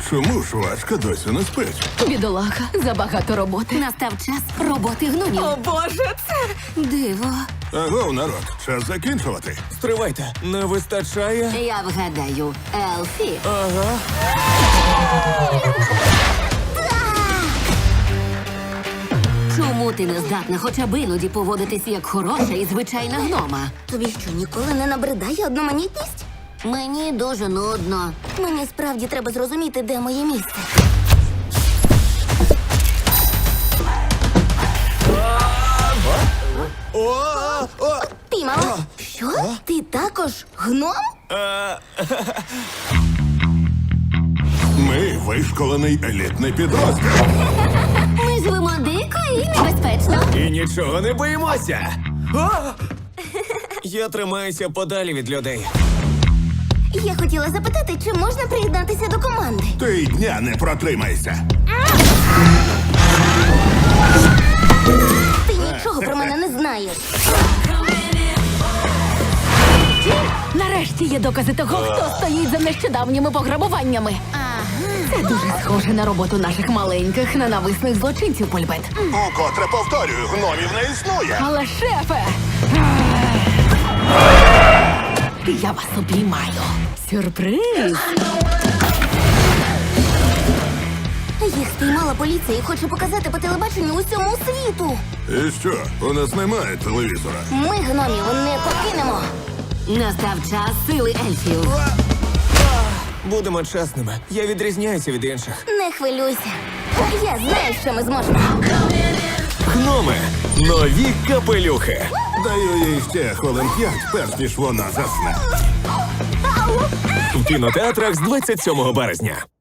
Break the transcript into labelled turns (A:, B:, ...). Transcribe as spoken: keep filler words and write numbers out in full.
A: Чому ж Важка досі не спить?
B: Бідолаха, забагато роботи.
C: Настав час роботи гномів.
B: О, Боже, це...
C: Диво.
A: Агов, народ, час закінчувати.
D: Стривайте, не вистачає.
C: Я вгадаю, Елфі.
D: Ага.
C: Чому ти не здатна хоча б іноді поводитись як хороша і звичайна гнома?
E: Тобі що, ніколи не набридає одноманітність?
C: Мені дуже нудно.
E: Мені справді треба зрозуміти, де моє місце.
D: О, о,
E: Піймала? Що? Ти також гном?
A: Ми вишколений елітний підрозділ.
E: Ми живемо дико і небезпечно.
D: І нічого не боїмося. О! Я тримаюся подалі від людей.
E: Я хотіла запитати, чи можна приєднатися до команди?
A: Ти й дня не протримайся.
E: Ти нічого про мене не знаєш.
B: Нарешті є докази того, хто стоїть за нещодавніми пограбуваннями. Це дуже схоже на роботу наших маленьких ненависних злочинців, Польбет.
A: Укотре повторюю, гномів не існує.
B: Але, шефе! Я вас обіймаю. Сюрприз!
E: Їх спіймала поліція і хоче показати по телебаченню усьому світу.
A: І що, у нас немає телевізора?
E: Ми гномів не покинемо.
C: Настав час сили ельфів.
D: Будемо чесними. Я відрізняюся від інших.
E: Не хвилюйся. Я знаю, що ми зможемо.
D: Гноми. Нові капелюхи.
A: Даю їй ще хвилин п'ять, перш ніж вона засне.
D: В кінотеатрах з двадцять сьомого березня.